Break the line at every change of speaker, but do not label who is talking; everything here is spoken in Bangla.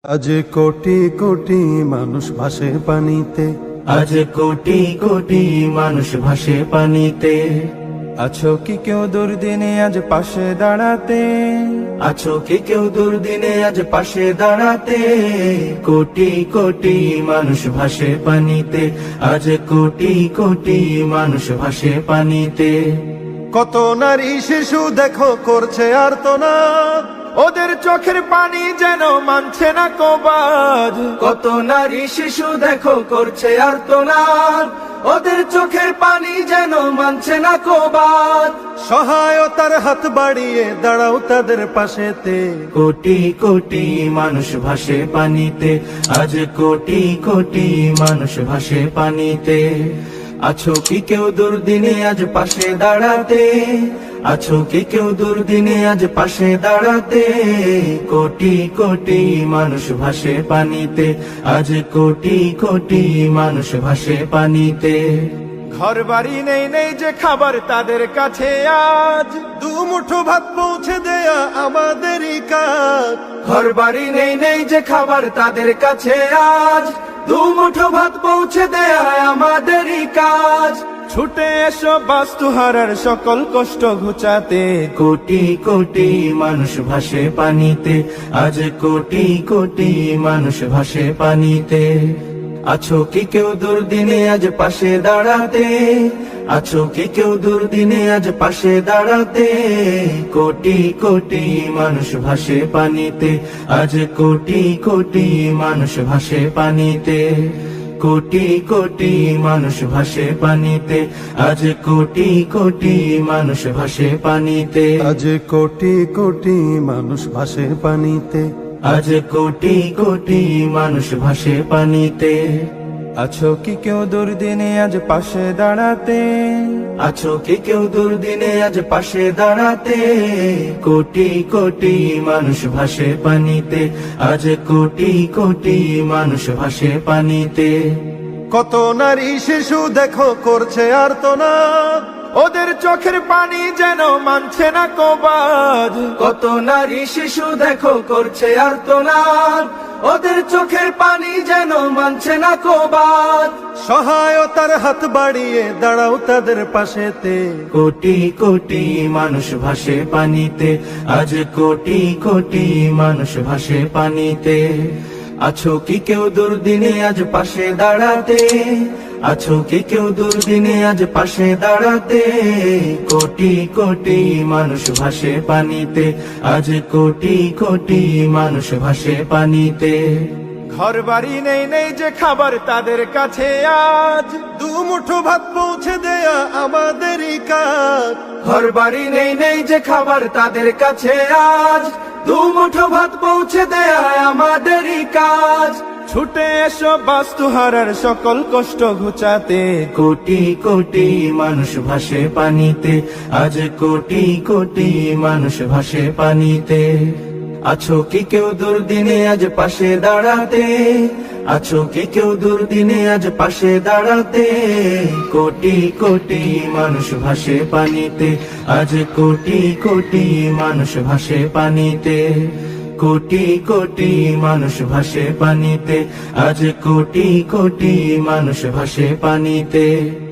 আজ কোটি কোটি মানুষ ভাসে পানিতে,
আজ কোটি কোটি মানুষ ভাসে পানিতে।
আছো কি কেউ দুর্দিনে আজ পাশে দাঁড়াতে?
আছো কি কেউ দুর্দিনে আজ পাশে দাঁড়াতে? কোটি কোটি মানুষ ভাসে পানিতে, আজ কোটি কোটি মানুষ ভাসে পানিতে।
কত নারী শিশু দেখো করছে আর্তনাদ, ওদের চোখের পানি যেন মানছে না কবাজ।
কত নারী শিশু দেখো করছে আর্তনাদ, ওদের চোখের পানি যেন মানছে না কবাজ।
সহায়তার হাত বাড়িয়ে দাঁড়াও তাদের পাশেতে।
কোটি কোটি মানুষ ভাসে পানিতে, আজ কোটি কোটি মানুষ ভাসে পানিতে। আছো কি কেউ দুর্দিনে আজ পাশে দাঁড়াতে? আছো কি কেউ দুর্দিনে আজ পাশে দাঁড়াতে? কোটি কোটি মানুষ ভাসে পানিতে, আজ কোটি কোটি মানুষ ভাসে পানিতে।
ঘর বাড়ি নেই নেই যে খাবার তাদের কাছে, আজ দু মুঠো ভাত পৌঁছে দেয়া আমাদেরই কাজ।
ঘর বাড়ি নেই নেই যে খাবার তাদের কাছে, আজ দু মুঠো ভাত পৌঁছে দেয়া আমাদেরই কাজ।
ছুটে এসো বাস্তুহারার সকল কষ্ট ঘুচাতে।
কোটি কোটি মানুষ ভাসে পানিতে, আজ কোটি কোটি মানুষ ভাসে পানিতে। আছো কি কেউ দুর্দিনে আজ পাশে দাঁড়াতে? আছো কি কেউ দুর্দিনে আজ পাশে দাঁড়াতে? কোটি কোটি মানুষ ভাসে পানিতে, আজ কোটি কোটি মানুষ ভাসে পানিতে। কোটি কোটি মানুষ ভাসে পানিতে, আজ কোটি কোটি মানুষ ভাসে পানিতে।
আজ কোটি কোটি মানুষ ভাসে পানিতে,
আজ কোটি কোটি মানুষ ভাসে পানিতে।
আছো কি কেউ দুর্দিনে আজ পাশে দাঁড়াতে?
আছো কি কেউ দুর্দিনে আজ পাশে দাঁড়াতে? কোটি কোটি মানুষ ভাসে পানিতে, আজ কোটি কোটি মানুষ ভাসে পানিতে।
কত নারী শিশু দেখো করছে আর্তনাদ, ওদের চোখের পানি যেন মানছে না কবাজ।
কত নারী শিশু দেখো করছে আর্তনাদ, ওদের চোখের পানি যেন মানছে না কবাজ।
সহায়তার হাত বাড়িয়ে দাঁড়াও তাদের পাশেতে।
কোটি কোটি মানুষ ভাসে পানিতে, আজ কোটি কোটি মানুষ ভাসে পানিতে। আছো কি কেউ দুর্দিনে আজ পাশে দাঁড়াতে? আছো কি কেউ দুর্দিনে আজ পাশে দাঁড়াতে? কোটি কোটি মানুষ ভাসে পানিতে, আজ কোটি কোটি মানুষ ভাসে পানিতে।
ঘর বাড়ি নেই নেই যে খাবার তাদের কাছে, আজ দু মুঠো ভাত পৌঁছে দেয়া আমাদেরই কাজ।
ঘর বাড়ি নেই নেই যে খাবার তাদের কাছে, আজ দু মুঠো ভাত পৌঁছে দেয়া আমাদেরই কাজ।
ছুটে এসো বাস্তুহারার সকল কষ্ট ঘুচাতে।
কোটি কোটি মানুষ ভাসে পানিতে, আজ কোটি কোটি মানুষ ভাসে পানিতে। আছো কি কেউ দুর্দিনে আজ পাশে দাঁড়াতে? আছো কি কেউ দুর্দিনে আজ পাশে দাঁড়াতে? কোটি কোটি মানুষ ভাসে পানিতে, আজ কোটি কোটি মানুষ ভাসে পানিতে। কোটি কোটি মানুষ ভাসে পানিতে, আজ কোটি কোটি মানুষ ভাসে পানিতে।